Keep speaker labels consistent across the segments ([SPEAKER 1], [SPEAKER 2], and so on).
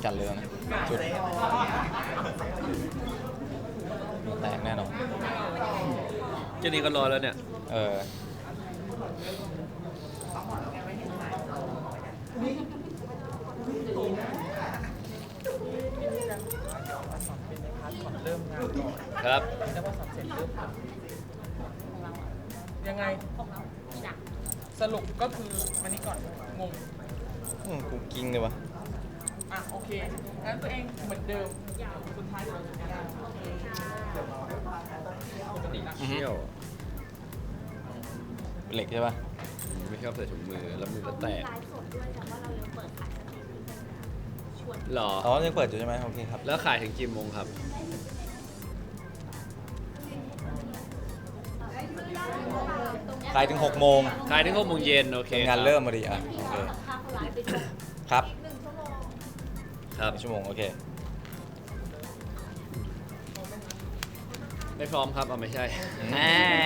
[SPEAKER 1] กันเลยนะจุดแตกแน่นอน
[SPEAKER 2] แค่นี้ก็ร้อนแล้วเนี่ย
[SPEAKER 1] เออ
[SPEAKER 2] ครับ
[SPEAKER 3] แล้วพอสอบเสร็จปุ๊บยังไงสรุปก็คือวันนี้ก่อนงง
[SPEAKER 1] กูกิ้งเลยวะ
[SPEAKER 3] อ่ะโอเคงั้นตัวเองเหมือนเดิมสุดท้ายเดี๋ยวเราจะได้
[SPEAKER 2] เชี่ยว
[SPEAKER 1] เหล็กใช่ปะ
[SPEAKER 2] ไม่ชอบใส่ถุงมือแล้วมือก็แตก
[SPEAKER 4] ไลฟ์สดด้วยแต่ว่าเรายังเปิดขายสตรีมมิ่งเป็นชวน
[SPEAKER 2] หรอ
[SPEAKER 1] อ๋อยังเปิดอยู่ใช่ไหมโอเคครับ
[SPEAKER 2] แล้วขายถึงกี่โมงครับ
[SPEAKER 1] ขายถึง6 โมง
[SPEAKER 2] ขายถึง6 โมงเย็นโอเค
[SPEAKER 1] เป็นงาน
[SPEAKER 2] คบ
[SPEAKER 1] เริ่มมาดีอ่ะ
[SPEAKER 4] ที่
[SPEAKER 1] โอเค
[SPEAKER 4] เราสัมภาษณ์เขาไลฟ์ไปด้วย
[SPEAKER 1] ครับ
[SPEAKER 4] อีก1 ชั่วโมง
[SPEAKER 2] ครับ
[SPEAKER 1] 1 ชั่วโมงโอเค
[SPEAKER 2] ไม่พร้อมครับเอาไม่ใช่
[SPEAKER 1] อืม
[SPEAKER 2] แหม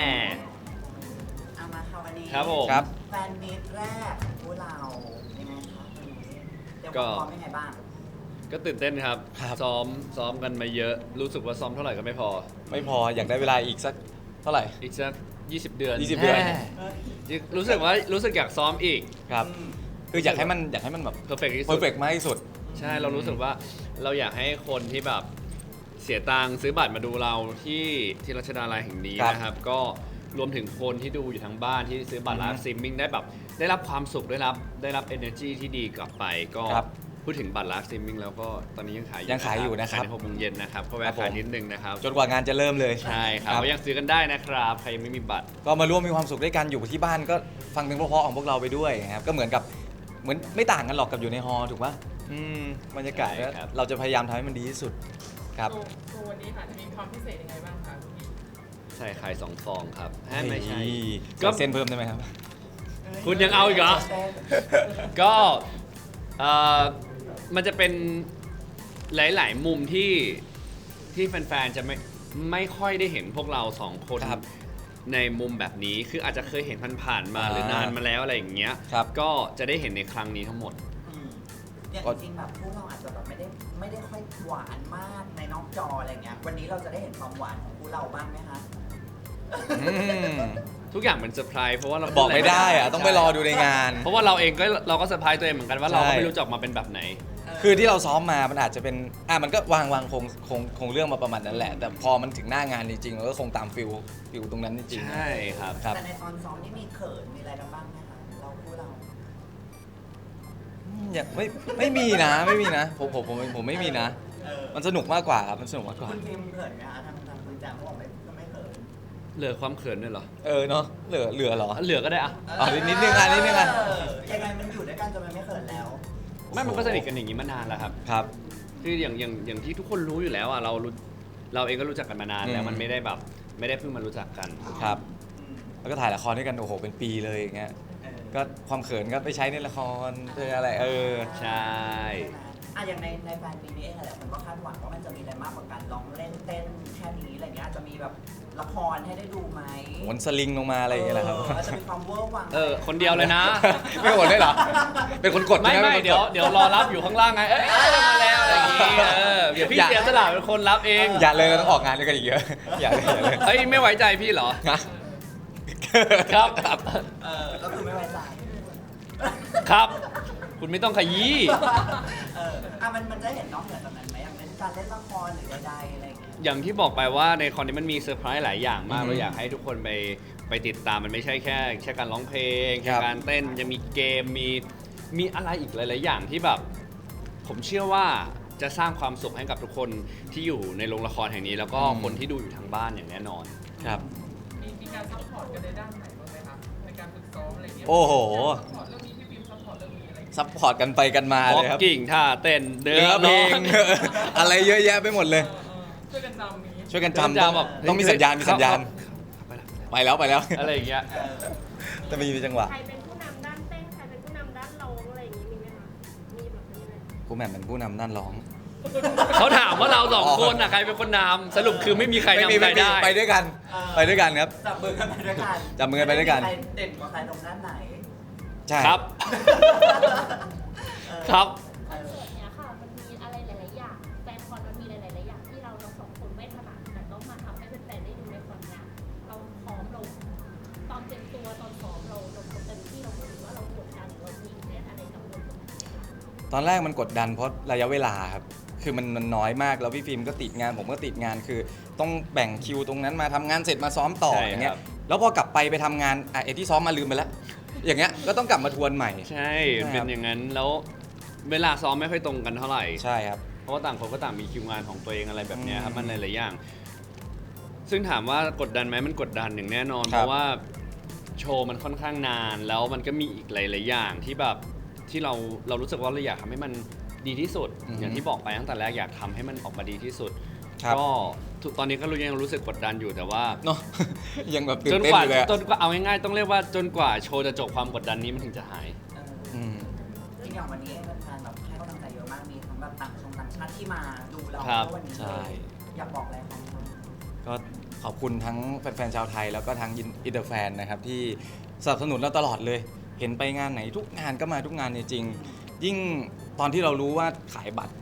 [SPEAKER 5] เอามาค่ะวันนี้
[SPEAKER 2] ครับผม
[SPEAKER 1] ครับ
[SPEAKER 5] แฟนมีตแรกของพวกเรายังไงคะวันนี้เดี๋ยว
[SPEAKER 2] ก็
[SPEAKER 5] พร้อมยังไงบ้าง
[SPEAKER 2] ก็ตื่นเต้นครับ
[SPEAKER 1] ครับ
[SPEAKER 2] ซ้อมกันมาเยอะ รู้สึกว่าซ้อมเท่าไหร่ก็ไม่พอ
[SPEAKER 1] ไม่พออยากได้เวลาอีกสักเท่าไหร่
[SPEAKER 2] อีกสัก20 เดือน
[SPEAKER 1] 20 เดือน
[SPEAKER 2] แหมรู้สึกอยากซ้อมอีก
[SPEAKER 1] ครับ คืออยากให้มันแบบ
[SPEAKER 2] เพอร์เฟกที่
[SPEAKER 1] เพ
[SPEAKER 2] สุ
[SPEAKER 1] อ
[SPEAKER 2] ด
[SPEAKER 1] ร์เฟกมากที่สุด
[SPEAKER 2] ใช่เรารู้สึกว่าเราอยากให้คนที่แบบเสียตังค์ซื้อบัตรมาดูเราที่รัชดาลัยแห่งนี้
[SPEAKER 1] ครับ
[SPEAKER 2] นะครับ ก็รวมถึงคนที่ดูอยู่ทางบ้านที่ซื้อบัตรไลฟ์สตรีมมิ่งได้แบบได้รับความสุขได้รับ energy ที่ดีกลับไปก็
[SPEAKER 1] ครับ
[SPEAKER 2] พูดถึงบัตรไลฟ์สตรีมมิ่งแล้วก็ตอนนี้ยังขายอยู่
[SPEAKER 1] ยังขายอยู่นะครับ
[SPEAKER 2] ขายใน6 โมงเย็นนะครับก็แวะ
[SPEAKER 1] ครับผม
[SPEAKER 2] ขายนิดนึงนะครับ
[SPEAKER 1] จนกว่างานจะเริ่มเลย
[SPEAKER 2] ใช่ครับก็ยังซื้อกันได้นะครับใครยังไม่มีบัตร
[SPEAKER 1] ก็มาร่วมมีความสุขด้วยกันอยู่ที่บ้านก็ฟังเพลงเพราะๆของพวกเราไปด้วยนะครับก็เหมือนไม่ต่างกันหรอกกับอยู่ในฮอลล์ถูกปะบรรยากาศ
[SPEAKER 2] ใช่ครับ
[SPEAKER 1] เราจะพยายามทำให้มันดีที่สุดครับ
[SPEAKER 3] โชว์วันนี้ค่ะจะมีความพิเศษยังไงบ้างคะพี่
[SPEAKER 2] ใช่ขาย2 ฟองครับไม่ใช่
[SPEAKER 1] ก็เส้นเพิ่มได้ไหมครับ
[SPEAKER 2] คุณยังเอาอีกเหรอ ก็มันจะเป็นหลาย ๆ มุมที่แฟน ๆ จะไม่ค่อยได้เห็นพวกเรา2 คน
[SPEAKER 1] ครับ
[SPEAKER 2] ในมุมแบบนี้ คืออาจจะเคยเห็นผ่านๆมา
[SPEAKER 1] อ่า
[SPEAKER 2] หรือนานมาแล้วอะไรอย่างเงี้ย
[SPEAKER 1] ครับ
[SPEAKER 2] ก็จะได้เห็นในครั้งนี้ทั้งหมด
[SPEAKER 5] อืมอย่างจริงๆแบบพวกเราอาจจะแบบไม่ได้ค่อยหวานมากในนอกจออะไรเงี้ยวันนี้เราจะได้เห็นความหวานของพวกเราบ้างไหมคะ
[SPEAKER 1] อืม
[SPEAKER 2] ทุกอย่างเป็นเซอร์ไพรส์เพราะว่าเรา
[SPEAKER 1] บอกไม่ได้อะต้องไปรอดูในงาน
[SPEAKER 2] เพราะว่าเราเองเราก็เซอร์ไพรส์ตัวเองเหมือนกันว่าเราก็
[SPEAKER 1] ใช่
[SPEAKER 2] ไม่รู้จะออกมาเป็นแบบไหน
[SPEAKER 1] คือที่เราซ้อมมามันอาจจะเป็นมันก็วางคงเรื่องมาประมาณนั้นแหละ แต่พอมันถึงหน้างานจริงๆเราก็คงตามฟิลตรงนั้นจริงๆ
[SPEAKER 2] ใช่ครับ
[SPEAKER 1] ครับ
[SPEAKER 5] แต่ในตอนซ้อมนี่มีเขินมีอะไรกันบ้างไหมคะเราพวกเรา
[SPEAKER 1] อย่างไม่มีนะไม่มีนะผมไม่มีนะ มันสนุกมากกว่าครับมันสนุกมากกว่า
[SPEAKER 5] คุณพิมเขินไหมคะทางคุณแจมเขาบอกไม่เขิน
[SPEAKER 2] เหลือความเขินด้วยเหรอ
[SPEAKER 1] เนาะเหลือเหรอ
[SPEAKER 2] เหลือก็ได้อะ
[SPEAKER 1] อ๋อนิดนึงอ่ะ
[SPEAKER 5] ยังไงมันอยู่ด้วยกันจนมันไม่เขินแล้ว
[SPEAKER 2] ไม่มันก็สนิทกันอย่างนี้มานานแล้วครับ
[SPEAKER 1] ครับ
[SPEAKER 2] คืออย่างที่ทุกคนรู้อยู่แล้วอ่ะเราเองก็รู้จักกันมานานแล้ว
[SPEAKER 1] อืม
[SPEAKER 2] มันไม่ได้แบบไม่ได้เพิ่งมารู้จักกัน
[SPEAKER 1] ครับ แล้วก็ถ่ายละครด้วยกันโอ้โหเป็นปีเลยอย่างเงี้ยก็ความเขินก็ไปใช้ในละครเป็นอะไร
[SPEAKER 2] ใช่
[SPEAKER 5] อ่ะอย่างในแฟนปีนี้เองอะไรมันก็คาดหวังว่ามันจะมีอะไรมากกว่าการร้องเล่นเต้นแค่นี้อะไรเงี้ยจะมีแบบละครให้ได้ดูไหม
[SPEAKER 1] โหนสลิงลงมาอะไรอย่างเงี้ยแหละครับ
[SPEAKER 5] จะมีความเวอร์วัง
[SPEAKER 2] คนเดียวเลยนะ
[SPEAKER 1] ไม่โหนได้เหรอเป็นคนกด
[SPEAKER 2] ไม่
[SPEAKER 1] ใช่ห
[SPEAKER 2] ไม่
[SPEAKER 1] ป็นคนก
[SPEAKER 2] เดี๋ยวรอรับอยู่ข้างล่างไงเอ้ยมาแล้วอะไรอย่างงี้เดี๋ยวพี่เสียสละเป็นคนรับเอง
[SPEAKER 1] อย่าเลยเราต้องออกงานด้วยกันอีกเยอะอย่าเลย
[SPEAKER 2] เฮ้ยไม่ไว้ใจพี่เหรอ
[SPEAKER 1] นะครับ
[SPEAKER 5] ก็คือไม่ไว้ใจ
[SPEAKER 2] ครับ คุณไม่ต้องขยี้
[SPEAKER 5] มันจะเห็นน้องเหนือจากนั้นไหมอย่างเล่นการเล่นละครหรือใดๆอะไรเงี้ย
[SPEAKER 2] อย่างที่บอกไปว่าในคอนนี้มันมีเซอร์ไพรส์หลายอย่างมาก
[SPEAKER 1] อืม
[SPEAKER 2] เราอยากให้ทุกคนไปติดตามมันไม่ใช่แค่การร้องเพลง
[SPEAKER 1] ค
[SPEAKER 2] แค่
[SPEAKER 1] รับ
[SPEAKER 2] การเต้นยังมีเกมมีอะไรอีกหลาย ๆ อย่างที่แบบ ผมเชื่อว่าจะสร้างความสุขให้กับทุกคนที่อยู่ในโรงละครแห่งนี้ แล้วก็คนที่ดูอยู่ทางบ้านอย่างแน่นอน
[SPEAKER 1] ครับ
[SPEAKER 3] มีการซัพพอร์ตกันในด้านไหนบ้างไหมคะในการฝึกซ้อมอะไรเงี้ย
[SPEAKER 1] โอ้โห
[SPEAKER 3] ซัพพอร์ตเรื่องนี้พี่พิมซัพพอร์ตเรื่องนี้อะไรเงี้ย
[SPEAKER 1] ซัพพอร์ตกันไปกันมา
[SPEAKER 2] บ
[SPEAKER 1] เล
[SPEAKER 2] ล็อก
[SPEAKER 1] ยครับ
[SPEAKER 2] กิ่งท่าเต้นเดิ
[SPEAKER 1] เนื้อเพล
[SPEAKER 2] ร้อง
[SPEAKER 1] อะไรเยอะแยะไปหมดเลย
[SPEAKER 3] ช่วยกันจำนี้
[SPEAKER 1] ช่วยกัน
[SPEAKER 2] เดิน
[SPEAKER 1] จำ
[SPEAKER 2] จำแบบ
[SPEAKER 1] ต้องมีสัญญาณไปแล้ว
[SPEAKER 2] อะไรอย่างเงี้ย
[SPEAKER 1] แต่มีจังหวะ
[SPEAKER 4] ใครเป็นผู้นำด้านเต้นใครเป็นผู้นำด้านร้องอะไรอย่างนี้มีไหมคะมีแบบนี้ไหม
[SPEAKER 1] กูแหม่มเป็นผู้นำด้านร้อง
[SPEAKER 2] เขาถามว่าเราสองคนน่ะใครเป็นคนนำสรุปคือไม่มีใครนำใครได้
[SPEAKER 1] ไปด้วยกันครับ
[SPEAKER 5] จับมือกันไปด้วยกัน
[SPEAKER 1] จับมือกันไปด้วยกัน
[SPEAKER 5] ใครเด่นกว่าใครตรงด้านไหน
[SPEAKER 1] ใช่
[SPEAKER 2] ครับ ครับ
[SPEAKER 4] คอนเสิร์ตเนี้ยค่ะมันมีอะไร
[SPEAKER 1] ตอนแรกมันกดดันเพราะระยะเวลาครับคือมันน้อยมากแล้วพี่ฟิล์มก็ติดงานผมก็ติดงานคือต้องแบ่งคิวตรงนั้นมาทำงานเสร็จมาซ้อมต่อ
[SPEAKER 2] ใช่
[SPEAKER 1] อย่างเงี้
[SPEAKER 2] ครั
[SPEAKER 1] ย
[SPEAKER 2] บ
[SPEAKER 1] แล้วพอกลับไปทำงานไอ้ที่ซ้อมมาลืมไปแล้วอย่างเงี้ยก็ต้องกลับมาทวนใหม่
[SPEAKER 2] ใช่
[SPEAKER 1] ใช่
[SPEAKER 2] เป็
[SPEAKER 1] ครั
[SPEAKER 2] น
[SPEAKER 1] บ
[SPEAKER 2] อย่างนั้นแล้วเวลาซ้อมไม่ค่อยตรงกันเท่าไหร่
[SPEAKER 1] ใช่ครับ
[SPEAKER 2] เพราะว่าต่างคนก็ต่างมีคิวงานของตัวเองอะไรแบบเนี้ยครับ
[SPEAKER 1] อืม
[SPEAKER 2] มันหลายๆอย่าง ซึ่งถามว่ากดดันไหมมันกดดันอย่างแน่นอน
[SPEAKER 1] ครับ
[SPEAKER 2] เพราะว่าโชว์มันค่อนข้างนาน แล้วมันก็มีอีกหลายๆอย่างที่แบบที่เรารู้สึกว่าเราอยากทำให้มันดีที่สุด อย่างที่บอกไปตั้งแต่แรกอยากทำให้มันออกมาดีที่สุด
[SPEAKER 1] ครับ
[SPEAKER 2] ก็ตอนนี้ก็ยังรู้สึกกดดันอยู่แต่ว่า
[SPEAKER 1] เนาะ ยังแบบตื่
[SPEAKER 2] จ
[SPEAKER 1] น
[SPEAKER 2] น
[SPEAKER 1] เต้น
[SPEAKER 2] กว่า
[SPEAKER 1] อยู่เลยอะ
[SPEAKER 2] จนกว่าเอาง่ายๆต้องเรียกว่าจนกว่าโชว์จะจบความกดดันนี้มันถึงจะหาย
[SPEAKER 5] เออ
[SPEAKER 1] อืม
[SPEAKER 5] จริงอย่างวันนี้แฟนๆแบบให้กำลังใจเยอะมากมีทั้งแบบต่างชาติที่มาดูเรา
[SPEAKER 2] ครับ
[SPEAKER 5] วันนี้
[SPEAKER 1] ใช่
[SPEAKER 5] อยากบอกอะไรของเขา
[SPEAKER 1] ก็ขอบคุณทั้งแฟนๆชาวไทยแล้วก็ทั้งอินเตอร์แฟนนะครับที่สนับสนุนเราตลอดเลย เห็นไปงานไหนทุกงานก็มาทุกงานจริงๆยิ่งตอนที่เรารู้ว่าขายบัตร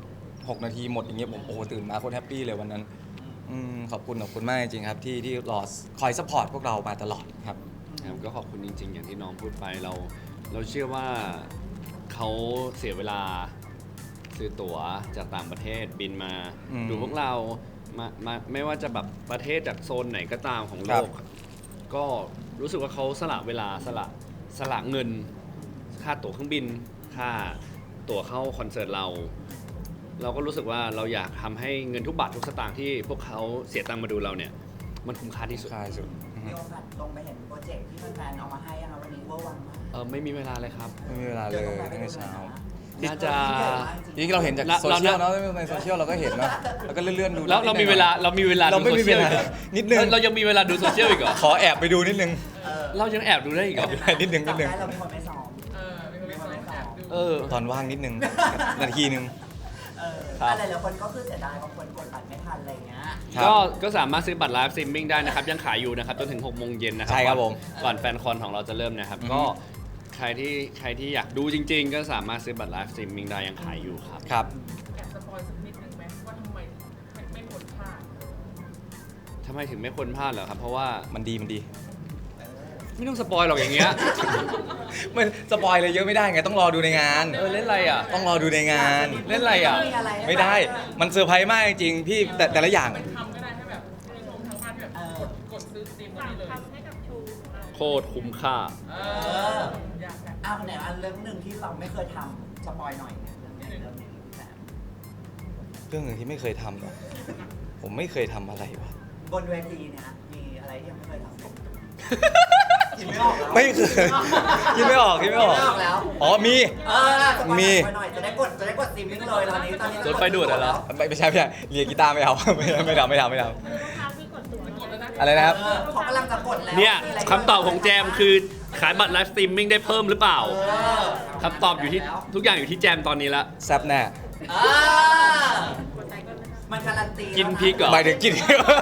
[SPEAKER 1] 6 นาทีหมดอย่างเงี้ยผมโอ้โหตื่นมาโคตรแฮปปี้เลยวันนั้นขอบคุณมากจริงๆครับที่รอคอยซัพพอร์ตพวกเรามาตลอดครับ
[SPEAKER 2] ครับก็ขอบคุณจริง ๆ อย่างที่น้องพูดไปเราเชื่อว่าเขาเสียเวลาซื้อตั๋วจากต่างประเทศบินมา
[SPEAKER 1] อืม
[SPEAKER 2] ดูพวกเรามาไม่ว่าจะแบบประเทศจากโซนไหนก็ตามของโลก ก็รู้สึกว่าเขาสละเวลาสละเงิน ค่าตั๋วเครื่องบิน ค่าตั๋วเข้าคอนเสิร์ตเราก็รู้สึกว่าเราอยากทำให้เงินทุกบาททุกสตางค์ที่พวกเขาเสียตังค์มาดูเราเนี่ยมันคุ้มค่าที่สุด
[SPEAKER 1] ใช่สุด
[SPEAKER 5] มีโอกาสลงไปเห็นโปรเจกต์ที่แฟนๆเอามาให้ยังคะวันนี้เวอร์วังมาก
[SPEAKER 2] ไม่มีเวลาเลยครับ
[SPEAKER 1] ไม่มีเวลาเลยตั้งแต่เช้า
[SPEAKER 2] น่าจะ
[SPEAKER 1] จริงๆเราเห็นจาก
[SPEAKER 2] เรา
[SPEAKER 1] โซเชียลเนาะในโซเชียลเราก็เห็นเนาะแล้วก็เลื่อนๆดู
[SPEAKER 2] แล้วเรามีเวลา
[SPEAKER 1] เราไม่มีเวลา
[SPEAKER 2] ดูโซชียลอีกหรอ
[SPEAKER 1] นิดนึง
[SPEAKER 2] เรายังมีเวลาดูโซเชียลอีกเหรอ
[SPEAKER 1] ขอแอบไปดูนิดนึง
[SPEAKER 2] เรายังแอบดูได้อีกเหรอ
[SPEAKER 1] นิดนึง
[SPEAKER 5] จำได้เราเป็นคนไม่ซ้อม
[SPEAKER 3] มีคนไม่ซ้อมแอบดู
[SPEAKER 2] เออ
[SPEAKER 1] ตอนว่างนิดนึงนาทีนึง
[SPEAKER 2] ครับ
[SPEAKER 5] อะไรหลายคนก็คือเสียดายบางคนกดบัตรไม่ทันอะไรอย่างเงี้ย
[SPEAKER 1] ครับ
[SPEAKER 2] ก็สามารถซื้อบัตรไลฟ์สตรีมมิ่งได้นะครับ ยังขายอยู่นะครับจนถึง6 โมงเย็นนะครั
[SPEAKER 1] ใช่ครับผม
[SPEAKER 2] ก่อนแฟนคอนของเราจะเริ่มนะครับ
[SPEAKER 1] อือฮึ
[SPEAKER 2] ก็ใครที่อยากดูจริง ๆ ก็สามารถซื้อบัตรไลฟ์สตรีมมิ่งได้ยังขายอยู่ครับ
[SPEAKER 1] ครับ
[SPEAKER 3] แอบสปอยสักนิดนึงไหมว่าทำไมไม่ควรพลาด
[SPEAKER 2] ทำไมถึงไม่ควรพลาดเหรอครับ เพราะว่า
[SPEAKER 1] มันดี
[SPEAKER 2] ไม่ต้องสปอยหรอกอย่างเงี้ย
[SPEAKER 1] มันสปอยเลยเยอะไม่ได้ไงต้องรอดูในงาน
[SPEAKER 2] เล่นอะไรอ่ะ
[SPEAKER 1] ต้องรอดูในงาน
[SPEAKER 2] เล่นอะไรอ่ะ
[SPEAKER 1] ไม่ได้ มันเซอร์ไพรส์มากจริงๆพี่แต่ละอย่าง
[SPEAKER 3] เป็นคำก็ได้ให้แบบผู้ชมทางบ้านแบบกดซื้อสตรีมวัน
[SPEAKER 4] ฝาก
[SPEAKER 3] นี้เลย
[SPEAKER 4] คำให้กับโชว์ของเรา
[SPEAKER 2] โคตรคุ้มค่า
[SPEAKER 3] อยากแบบ
[SPEAKER 5] อ้าวไหนอันเรื่องหนึ่งที่เราไม่เคยทำสปอยหน่อยเนี่ยเรื่องนี้แบบ
[SPEAKER 1] เรื่องหนึ่งที่ไม่เคยทำหรอผมไม่เคยทำอะไรวะ
[SPEAKER 5] บนเวทีเนี่ยมีอะไรที่ยังไม่เคยทำคิดไม่ออกแล้ว
[SPEAKER 1] ไม่เคยคิดไม่ออก
[SPEAKER 5] คิดไม่ออกแล้ว
[SPEAKER 1] อ๋อมี
[SPEAKER 5] สปอย
[SPEAKER 1] มี
[SPEAKER 5] หน่อยจะได้กดสตรีมมิ่งเลยตอนนี้
[SPEAKER 2] รถไฟดูดเหรอ
[SPEAKER 1] ไม่ใช่เรียนกีตาร์ไม่เอา ไม่ทำ
[SPEAKER 4] คือลูกค้าที่กดตั๋ว
[SPEAKER 3] กดแล้วนะ
[SPEAKER 1] อะไรนะครับ
[SPEAKER 5] เขากำลังจะกดแล้ว
[SPEAKER 2] เนี่ย
[SPEAKER 5] มีะไร
[SPEAKER 2] คำตอบของแจมคือขายบัตรไลฟ์สตรีมมิ่งได้เพิ่มหรือเปล่า คำตอบอยู่ที่ทุกอย่างอยู่ที่แจมตอนนี้ละ
[SPEAKER 1] แซบแน่
[SPEAKER 4] กดใจก็ไม่ได้
[SPEAKER 5] มันการันตี
[SPEAKER 2] กินพริกเหรอ
[SPEAKER 1] หมายถึงกิน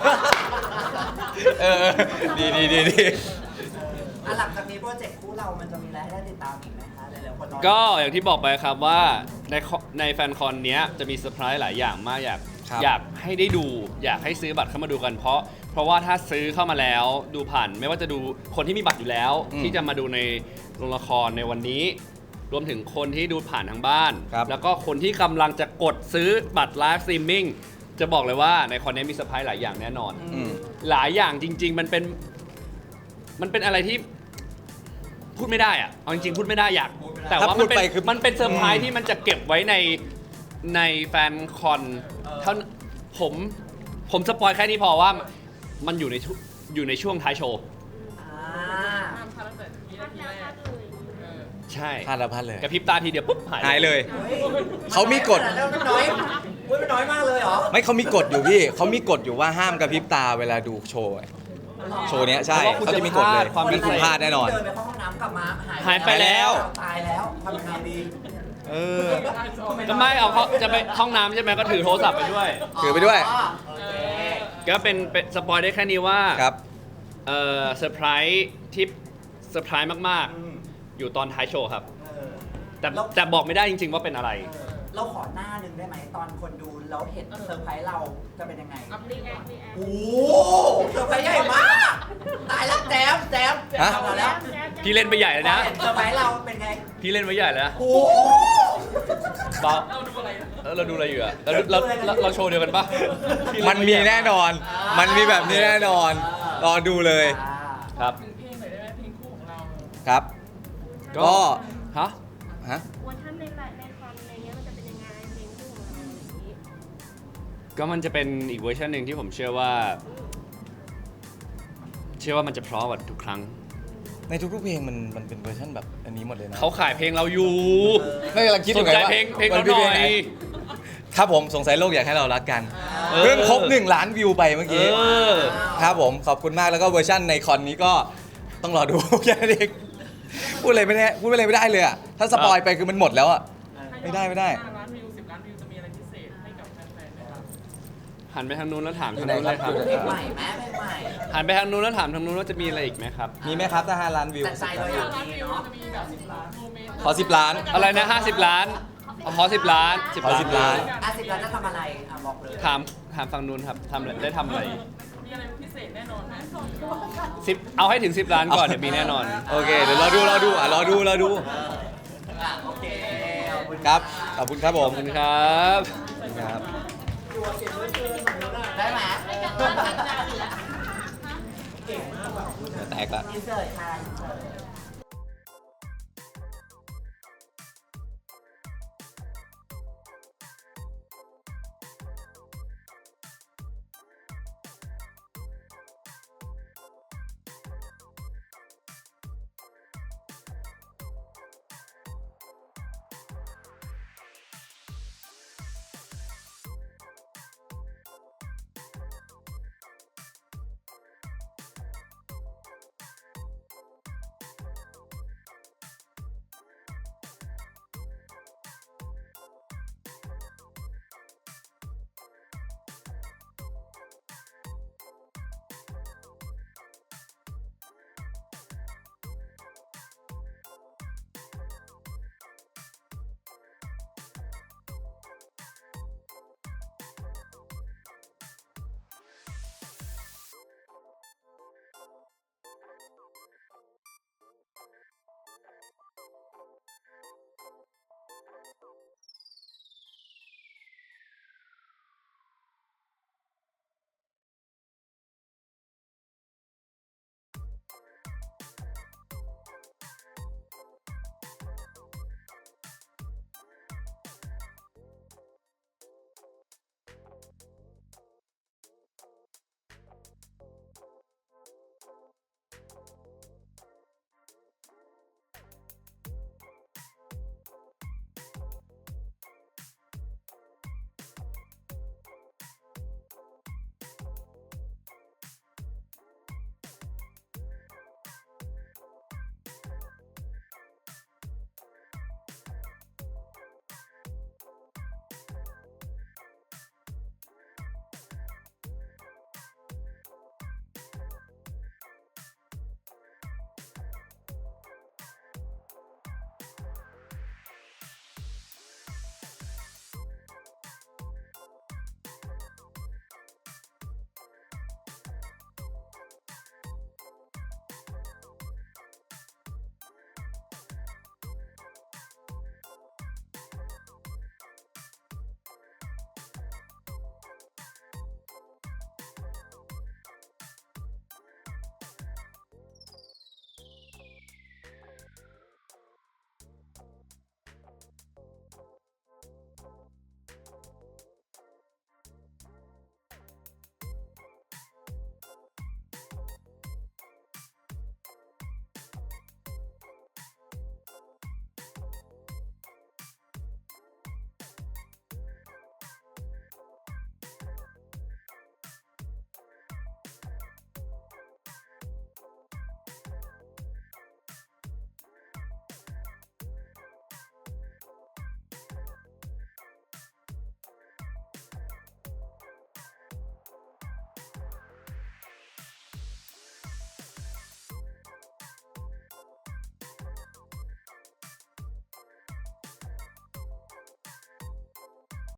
[SPEAKER 1] ดี
[SPEAKER 5] หลังจากนี้โปรเจกต์คู่เรามันจะมีอะไรให้ได้ติดตามอีกไหมคะหลายๆคนรอ
[SPEAKER 2] ก็อย่างที่บอกไปครับว่าในแฟนคอนเนี้ยจะมีเซอร์ไพรส์หลายอย่างมากอยากให้ได้ดู อยากให้ซื้อบัตรเข้ามาดูกัน เพราะว่าถ้าซื้อเข้ามาแล้วดูผ่านไม่ว่าจะดูคนที่มีบัตรอยู่แล้ว ที่จะมาดูในโรงละครในวันนี้ รวมถึงคนที่ดูผ่านทางบ้าน แล้วก็คนที่กำลังจะกดซื้อบัตรไลฟ์สตรีมมิ่งจะบอกเลยว่าในคอนนี้มีเซอร์ไพรส์หลายอย่างแน่นอน หลายอย่างจริง ๆ มันเป็นอะไรที่พูดไม่ได้อะเอาจริงๆพูดไม่ได้อยากแต่ว่ามันเป็นเซอร์ไพรส์ที่มันจะเก็บไว้ในแฟนคอนเท่าผมสปอยแค่นี้พอว่ามันอยู่ในช่วงท้ายโชว์
[SPEAKER 3] ห้ามพลาดตั้งแต่วิ
[SPEAKER 4] พลา
[SPEAKER 3] นา
[SPEAKER 4] ด
[SPEAKER 3] ที
[SPEAKER 4] แล้ว
[SPEAKER 3] แร
[SPEAKER 4] พลาก ดเลย
[SPEAKER 2] ใช่
[SPEAKER 1] พลาดแล้วพลาดเลย
[SPEAKER 2] กระพริบตาทีเดียวปุ๊บหาย
[SPEAKER 1] หายเลย เขามีกฎ
[SPEAKER 5] มันน้อยมันน้อยมากเลยเหรอ
[SPEAKER 1] ไม่เขามีกฎอยู่พี่เขามีกฎอยู่ว่าห้ามกระพริบตาเวลาดูโชว์โชว์เนี้ยใช่เขาจะมีกฎเลยงั้นคุณพลาดแน่นอน
[SPEAKER 5] เดินไปเข้าห้องน้ำกลับมา
[SPEAKER 2] หายไปแล้ว
[SPEAKER 5] ตายแล้วทำยังไงดี
[SPEAKER 1] เออ
[SPEAKER 2] ก็ไม่เอาเขาจะไปห้องน้ำใช่ไหมก็ถือโทรศัพท์ไปด้วย
[SPEAKER 1] ถือไปด้วย
[SPEAKER 5] โอเค
[SPEAKER 2] ก็เป็นสปอยได้แค่นี้ว่า
[SPEAKER 1] ครับ
[SPEAKER 2] เซอร์ไพรส์ที่เซอร์ไพรส์มาก
[SPEAKER 5] อืม
[SPEAKER 2] ๆ อยู่ตอนท้ายโชว์ครับ
[SPEAKER 5] เออ
[SPEAKER 2] แต่บอกไม่ได้จริง ๆ ว่าเป็นอะไร
[SPEAKER 5] เราขอหน้าหนึ่งได้ไหมตอนคนดูแล้วเห็นเซอร์ไพรส์เราจะเป็นยังไง
[SPEAKER 4] รีแอครีแอค
[SPEAKER 5] โอ้โหเซอร์ไพรส์ใหญ่มาก ตายแล้วแจม
[SPEAKER 1] ฮะ
[SPEAKER 5] ทำมาแล้ว
[SPEAKER 2] พี่เล่นไปใหญ่เลยนะ
[SPEAKER 5] เห็นเซอร์ไพรส์เราเป็นไง
[SPEAKER 2] พี่เล่นไว้ใหญ่แล้วนะ
[SPEAKER 5] โอ้โห
[SPEAKER 2] เปล่า
[SPEAKER 3] เราดูอะไรนะ
[SPEAKER 2] เราดูอะไรอยู่อะเราโชว์เดียวกันปะ
[SPEAKER 1] มันมีแน่นอน มันมีแบบนี้แน่นอน รอดูเลย
[SPEAKER 2] ครับ
[SPEAKER 3] ถึงเพลงหน่อยได้ไหมเพลงคู่ของเรา
[SPEAKER 1] ครับ ก็
[SPEAKER 2] ฮะ
[SPEAKER 1] ฮะ
[SPEAKER 4] เวอร์ชันในคอนอะไรเงี้ยมันจะเป็นยังไงเพลงคู่ของเราอย่างนี้
[SPEAKER 2] ก็มันจะเป็นอีกเวอร์ชันหนึ่งที่ผมเชื่อว่ามันจะเพราะกว่าทุกครั้ง
[SPEAKER 1] ในทุกๆเพลงมันเป็นเวอร์ชันแบบอันนี้หมดเลยนะ
[SPEAKER 2] เขาขายเพลงเราอยู่
[SPEAKER 1] ไม่กำลังคิดอ
[SPEAKER 2] สน
[SPEAKER 1] ยู่ไง
[SPEAKER 2] ใจ
[SPEAKER 1] ว่า
[SPEAKER 2] เพลง
[SPEAKER 1] มั
[SPEAKER 2] เราหน่อย
[SPEAKER 1] ไหครับผมสงสัยโลกอยากให้เรารักกัน
[SPEAKER 2] เออ
[SPEAKER 1] เพิ่งครบ1 ล้านวิวไปเมื่อ
[SPEAKER 2] เอ
[SPEAKER 1] กี้
[SPEAKER 2] อ
[SPEAKER 1] ครับผมขอบคุณมากแล้วก็เวอร์ชันในคอนนี้ก็ต้องรอดู แค่นั้นเองพูดอะไรไม่ได้เลยอ่ะถ้าสปอยไปคือมันหมดแล้วอ่ะ ไม่ได้
[SPEAKER 3] 5 ล้านวิว 10 ล้านวิวจะมีอะไรพิเศษให้กับแฟนๆไหมครับ
[SPEAKER 2] หันไปทางนู้นแล้วถาม
[SPEAKER 1] อยู่
[SPEAKER 2] ทาง
[SPEAKER 1] ไหน
[SPEAKER 2] นู้น
[SPEAKER 1] ครับ
[SPEAKER 2] เลยครับ
[SPEAKER 5] เพลงใหม่แม่เพลงใหม่
[SPEAKER 2] หันไปทางนู้นแล้วถามทางนู้นว่าจะมีอะไรอีกไหมครับ
[SPEAKER 1] มีไหมครับถ้า5 ล้านวิว
[SPEAKER 5] แต่ใจเราอยาก
[SPEAKER 3] 5 ล้าน
[SPEAKER 5] มี
[SPEAKER 3] วิว
[SPEAKER 5] เนาะ
[SPEAKER 3] จะมีแบบ10 ล้านโมเมนต์
[SPEAKER 1] ขอ10 ล้าน
[SPEAKER 2] อะไรนะ50 ล้านขอ10 ล้าน
[SPEAKER 1] ขอ10 ล้าน
[SPEAKER 5] 10 ล้านจะทำอะไรบอกเลย
[SPEAKER 2] ถามฝั่งนู้นครับทำอะไรได้ทำอะไร
[SPEAKER 3] มีอะไรพิเศษแน่นอนไหม
[SPEAKER 2] 10เอาให้ถึง 10 ล้านก่อนเดี๋ยวมีแน่นอน
[SPEAKER 1] โอเคเดี๋ยวรอดูอ่ะรอดู
[SPEAKER 5] โอเคขอบคุณ
[SPEAKER 1] ครับขอบคุณครับผ
[SPEAKER 2] ข
[SPEAKER 1] ม
[SPEAKER 2] อบคุณครับ
[SPEAKER 1] ครับ
[SPEAKER 5] ได้ไหม
[SPEAKER 1] แตกละ
[SPEAKER 5] อินเสิร์ตค่ะอินเสิร์ต